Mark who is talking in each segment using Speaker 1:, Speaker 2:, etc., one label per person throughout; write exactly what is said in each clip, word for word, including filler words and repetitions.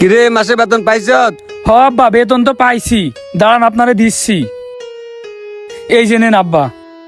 Speaker 1: কিরে মাসে বেতন পাইছ?
Speaker 2: হ আব্বা, বেতন তো পাইছি, দাঁড়ান আপনারে দিচ্ছি। এই যে নেন আব্বা।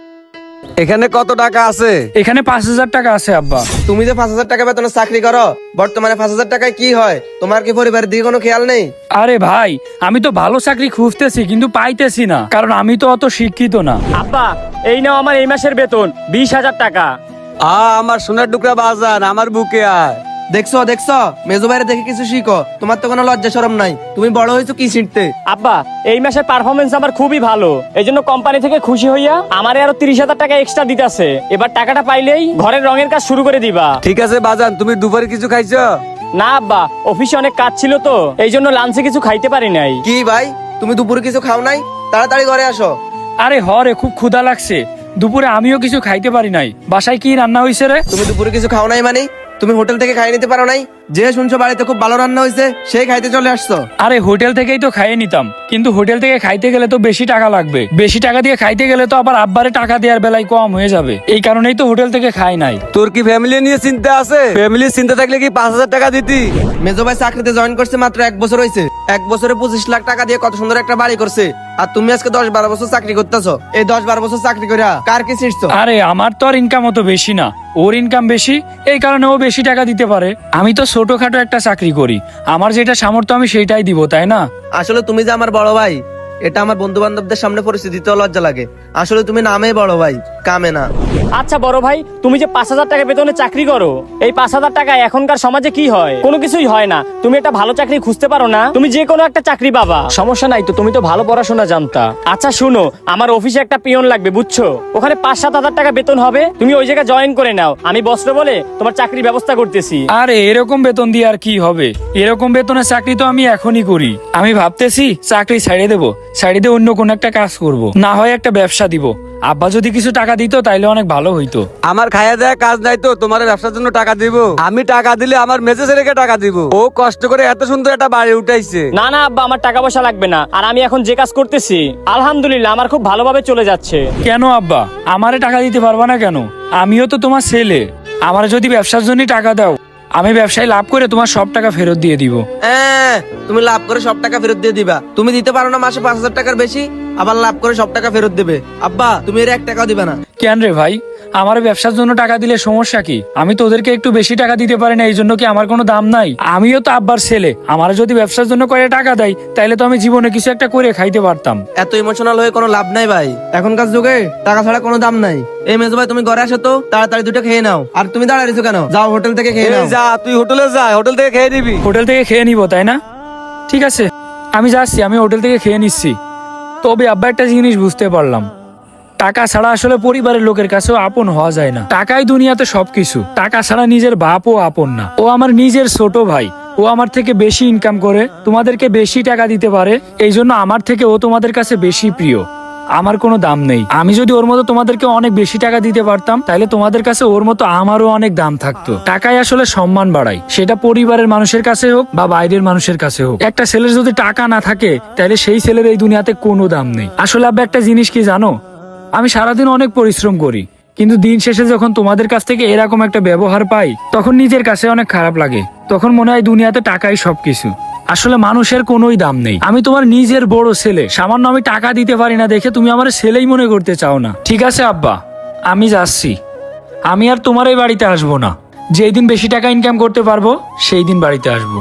Speaker 1: এখানে কত টাকা আছে?
Speaker 2: এখানে পাঁচ হাজার টাকা আছে আব্বা।
Speaker 3: তুমি যে পাঁচ হাজার টাকা বেতনের চাকরি করো, বর্তমানে পাঁচ হাজার টাকায় কি হয়? তোমার কি পরিবারের দিকে কোনো খেয়াল নেই?
Speaker 2: আরে ভাই, আমি তো ভালো চাকরি খুঁজতেছি কিন্তু পাইতেছি না, কারণ আমি তো অত শিক্ষিত না।
Speaker 4: আব্বা, এই নাও আমার এই মাসের বেতন বিশ হাজার টাকা।
Speaker 1: আ আমার সোনার টুকরা বাজান, আমার বুকে আয়।
Speaker 3: দেখছো দেখছো মেজো ভাইরে দেখে কিছু শিখো। তোমার তো কোনো লজ্জা শরম নাই। তুমি বড় হয়েছো কি শিখতে?
Speaker 4: আব্বা, এই মাসের পারফরমেন্স আমার খুবই ভালো, এই জন্য কোম্পানি থেকে খুশি হইয়া আমারে আরো তিরিশ হাজার টাকা এক্সট্রা দিতেছে। এবার টাকাটা পাইলেই ঘরের রঙের কাজ শুরু করে দিবা।
Speaker 1: ঠিক আছে বাজান, তুমি দুপুরে কিছু খাইছো?
Speaker 4: না আব্বা, অফিসে অনেক কাজ ছিল তো, এই জন্য লাঞ্চে কিছু খাইতে পারি নাই।
Speaker 3: কি ভাই, তুমি দুপুরে কিছু খাও নাই? তাড়াতাড়ি ঘরে আসো।
Speaker 2: আরে হ রে, খুব ক্ষুধা লাগছে, দুপুরে আমিও কিছু খাইতে পারি নাই। বাসায় কি রান্না হয়েছে রে?
Speaker 3: তুমি দুপুরে কিছু খাও নাই মানে? তুমি হোটেল থেকে খাই নিতে পারো নাই? যে শুনছো বাড়িতে খুব ভালো রান্না হয়েছে, সেই খাইতে চলে আসছো।
Speaker 2: আরে হোটেল থেকেই তো খাইয়ে নিতাম, কিন্তু হোটেল থেকে খাইতে গেলে তো বেশি টাকা লাগবে, বেশি টাকা দিয়ে খাইতে গেলে তো আবার আব্বারে টাকা দেওয়ার বেলায় কম হয়ে যাবে, এই কারণেই তো হোটেল থেকে খাই নাই।
Speaker 1: তোর কি ফ্যামিলি নিয়ে চিন্তা আছে? ফ্যামিলির চিন্তা থাকলে কি পাঁচ হাজার টাকা দিতি?
Speaker 3: মেজো ভাই চাকরিতে জয়েন করছে মাত্র এক বছর হয়েছে, এক বছরে পঁচিশ লাখ টাকা দিয়ে কত সুন্দর একটা বাড়ি করছে। আর তুমি আজকে দশ বারো বছর চাকরি করতেছো। এই দশ বারো বছর চাকরি করে কার কি শিখছো?
Speaker 2: আরে আমার তো আর ইনকাম অত বেশি না, ওর ইনকাম বেশি, এই কারণে ও বেশি টাকা দিতে পারে। আমি তো ছোটখাটো একটা চাকরি করি, আমার যেটা সামর্থ্য আমি সেইটাই দিব, তাই না?
Speaker 3: আসলে তুমি যে আমার বড় ভাই, এটা আমার বন্ধু বান্ধবদের সামনে পরিস্থিতি দিতেও লজ্জা লাগে। আসলে তুমি নামে বড় ভাই, কামে না।
Speaker 4: আচ্ছা বড় ভাই, তুমি যে পাঁচ হাজার টাকা বেতনে চাকরি করো, এই পাঁচ হাজার টাকা এখনকার সমাজে কি হয়? কোনো কিছুই হয় না। তুমি একটা ভালো চাকরি খুঁজতে পারো না? তুমি যে কোনো একটা চাকরি পাবা, সমস্যা নাই তো, তুমি তো ভালো পড়াশোনা জানতা। আচ্ছা শুনো, আমার অফিসে একটা পিয়ন লাগবে, বুঝছো? ওখানে পাঁচ সাত হাজার টাকা বেতন হবে, তুমি ওই জায়গায় জয়েন করে নাও। আমি বস্ত্র বলে তোমার চাকরির ব্যবস্থা করতেছি।
Speaker 2: আরে এরকম বেতন দিয়ে আর কি হবে? এরকম বেতনের চাকরি তো আমি এখনই করি। আমি ভাবতেছি চাকরি ছাড়িয়ে দেবো, ছাড়িয়ে দিয়ে অন্য কোন একটা কাজ করব, না হয় একটা ব্যবসা দিব। আব্বা যদি কিছু টাকা দিত তাইলে অনেক ভালো হইতো।
Speaker 1: আমার খাইয়া দেয়া কাজ নাই তো তোমার ব্যবসার জন্য টাকা দিব? আমি টাকা দিলে আমার মেজে ছেলেকে টাকা দিব, ও কষ্ট করে এত সুন্দর একটা বাড়ি উঠাইছে।
Speaker 4: না না আব্বা, আমার টাকা পয়সা লাগবে না। আর আমি এখন যে কাজ করতেছি আলহামদুলিল্লাহ আমার খুব ভালোভাবে চলে যাচ্ছে।
Speaker 2: কেন আব্বা, আমারে টাকা দিতে পারবা না কেন? আমিও তো তোমার ছেলে, আমার যদি ব্যবসার জন্য টাকা দাও, আমি ব্যবসায় লাভ করে তোমার সব টাকা ফেরত দিয়ে দিব।
Speaker 3: হ্যাঁ, তুমি লাভ করে সব টাকা ফেরত দিয়ে দিবা? তুমি দিতে পারো না মাসে পাঁচ হাজার টাকার বেশি, আবার লাভ করে সব টাকা ফেরত দেবে? আব্বা, তুমি এর এক টাকাও দিবে না।
Speaker 2: কেন রে ভাই, আমার ব্যবসার জন্য টাকা দিলে সমস্যা কি? আমি তো ওদেরকে একটু বেশি টাকা দিতে পারি না, এই জন্য কি আমার কোনো দাম নাই? আমিও তো আব্বার ছেলে, আমার যদি ব্যবসার জন্য করে টাকা দেয় তাইলে তো আমি জীবনে কিছু একটা করে খাইতে পারতাম।
Speaker 3: এত ইমোশনাল হয়ে কোনো লাভ নাই ভাই, এখনকার যুগে টাকা ছাড়া কোনো দাম নাই। এই মেজো ভাই, তুমি ঘরে আসো তো, তাড়াতাড়ি দুটো খেয়ে নাও। আর তুমি দাঁড়ায় রয়েছো কেন? যাও হোটেল থেকে খেয়ে
Speaker 1: এই
Speaker 3: নাও।
Speaker 1: যা, তুই হোটেলে যা, হোটেল থেকে খেয়ে নিবি।
Speaker 2: হোটেল থেকে খেয়ে নিব তাই না? ঠিক আছে, আমি যাচ্ছি, আমি হোটেল থেকে খেয়ে নিচ্ছি। তবে আব্বা একটা জিনিস বুঝতে পারলাম, টাকা ছাড়া আসলে পরিবারের লোকের কাছেও আপন হওয়া যায় না। টাকাই দুনিয়াতে সবকিছু, টাকা ছাড়া নিজের বাপও আপন না। ও আমার নিজের ছোট ভাই, ও আমার থেকে বেশি ইনকাম করে, তোমাদেরকে বেশি টাকা দিতে পারে, এই জন্য আমার থেকে ও তোমাদের কাছে বেশি প্রিয়। আমার কোনো দাম নেই। আমি যদি ওর মতো তোমাদেরকে অনেক বেশি টাকা দিতে পারতাম, তাহলে তোমাদের কাছে ওর মতো আমারও অনেক দাম থাকতো। টাকাই আসলে সম্মান বাড়ায়, সেটা পরিবারের মানুষের কাছে হোক বা বাইরের মানুষের কাছে হোক। একটা ছেলের যদি টাকা না থাকে, তাহলে সেই ছেলের এই দুনিয়াতে কোনো দাম নেই। আসলে আব্বা একটা জিনিস কি জানো, আমি সারাদিন অনেক পরিশ্রম করি, কিন্তু দিন শেষে যখন তোমাদের কাছ থেকে এরকম একটা ব্যবহার পাই, তখন নিজের কাছে অনেক খারাপ লাগে। তখন মনে হয় দুনিয়াতে টাকাই সবকিছু। আসলে মানুষের কোনোই দাম নেই। আমি তোমার নিজের বড় ছেলে, সামান্য আমি টাকা দিতে পারি না দেখে তুমি আমার ছেলেই মনে করতে চাও না। ঠিক আছে আব্বা, আমি যাচ্ছি, আমি আর তোমার এই বাড়িতে আসবো না। যেই দিন বেশি টাকা ইনকাম করতে পারবো সেই দিন বাড়িতে আসবো।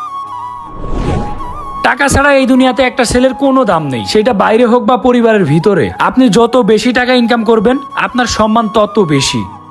Speaker 2: টাকা ছাড়া এই দুনিয়াতে একটা ছেলের কোনো দাম নেই, সেটা বাইরে হোক বা পরিবারের ভিতরে। আপনি যত বেশি টাকা ইনকাম করবেন, আপনার সম্মান তত বেশি।